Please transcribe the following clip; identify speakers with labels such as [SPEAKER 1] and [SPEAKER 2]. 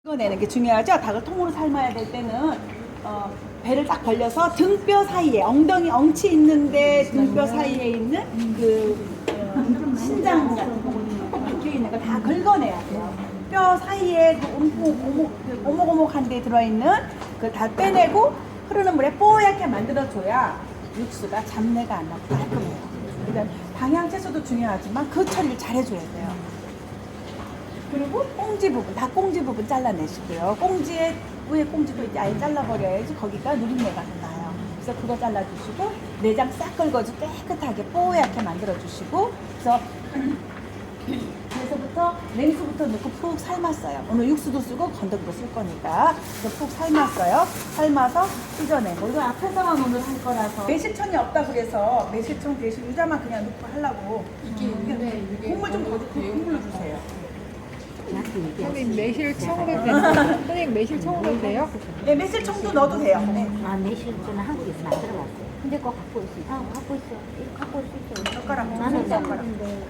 [SPEAKER 1] 찍어내는 게 중요하죠. 닭을 통으로 삶아야 될 때는 배를 딱 벌려서 등뼈 사이에 엉치 있는데 등뼈 사이에 있는 신장 같은 거 박혀 있는 거 다 긁어내야 돼요. 뼈 사이에 오목오목한 데 들어있는 그 다 빼내고 흐르는 물에 뽀얗게 만들어줘야 육수가 잡내가 안 나고 깔끔해요. 그러니까 방향 채소도 중요하지만 그 처리를 잘 해줘야 돼요. 그리고 꽁지 부분, 닭꽁지 부분 잘라내시고요. 꽁지에 위에 꽁지도 이제 아예 잘라버려야지 거기가 누린내가 나요. 그래서 그거 잘라주시고 내장 싹 긁어서 깨끗하게 뽀얗게 만들어주시고 그래서부터 냉수부터 넣고 푹 삶았어요. 오늘 육수도 쓰고 건더기도 쓸 거니까 그래서 푹 삶았어요. 삶아서 찢어내고 이거 앞에서만 오늘 할 거라서 매실청이 없다 그래서 매실청 대신 유자만 그냥 넣고 하려고 국물 좀 더 넣고 국물로 주세요.
[SPEAKER 2] 선생님 매실청으로 돼요? 선생님 매실청으로 돼요?
[SPEAKER 1] 네, 매실청도 넣어도 돼요. 네.
[SPEAKER 3] 아, 매실청은 한국에서 만들어봤어요. 근데 그거 갖고 있어요. 갖고 있어요. 이거 갖고 있어요.
[SPEAKER 1] 젓가락
[SPEAKER 3] 나는
[SPEAKER 1] 젓가락.